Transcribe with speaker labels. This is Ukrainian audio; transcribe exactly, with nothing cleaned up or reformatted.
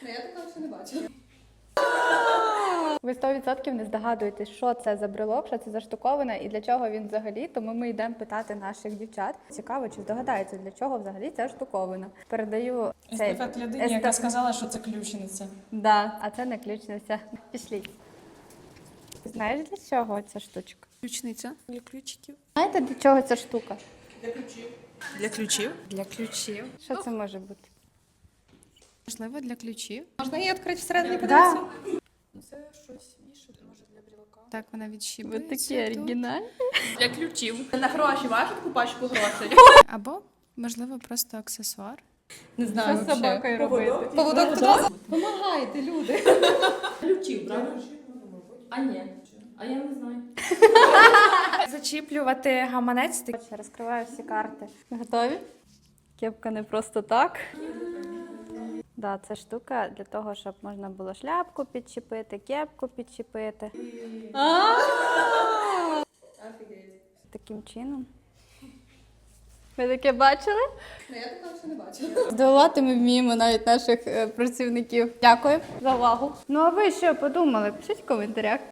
Speaker 1: Ну, я такого ще не бачила.
Speaker 2: Ви сто відсотків не здогадуєтесь, що це за брелок, що це за штуковина і для чого він взагалі, тому ми йдемо питати наших дівчат. Цікаво, чи здогадаються, для чого взагалі ця штуковина. Передаю цей...
Speaker 3: Естафет людині,
Speaker 2: естаф-
Speaker 3: яка сказала, що це ключниця.
Speaker 2: Да, а це не ключниця. Пішліть. Знаєш, для чого ця штучка?
Speaker 1: Ключниця для ключиків.
Speaker 2: Знаєте, для чого ця штука?
Speaker 1: Для ключів?
Speaker 3: Для ключів.
Speaker 2: Що це може бути?
Speaker 3: Можливо, для ключів.
Speaker 1: Можна її відкрити всередині
Speaker 2: Да.
Speaker 1: подивитися?
Speaker 3: Це щось вішати, може, для брілка. Так, вона
Speaker 2: Ви
Speaker 3: відщіпується.
Speaker 2: такі
Speaker 3: тут.
Speaker 2: оригінальні.
Speaker 1: Для ключів. На гроші, вашу таку пачку грошей.
Speaker 3: Або, можливо, просто аксесуар.
Speaker 1: Не знаю.
Speaker 2: Що з собакою робити?
Speaker 1: Поводок туди. Помагайте, люди.
Speaker 4: Ключів, правда? А ні. А я не знаю.
Speaker 3: Зачіплювати гаманець.
Speaker 2: Коротше, розкриваю всі карти. Готові? Кепка не просто так. Да, це штука для того, щоб можна було шляпку підчепити, кепку підчепити. Таким чином. Ви таке бачили?
Speaker 1: Ну, я такого ще не бачила.
Speaker 2: Здивувати ми вміємо навіть наших е, працівників. Дякую за увагу. Ну а ви що подумали? Пишіть в коментарях.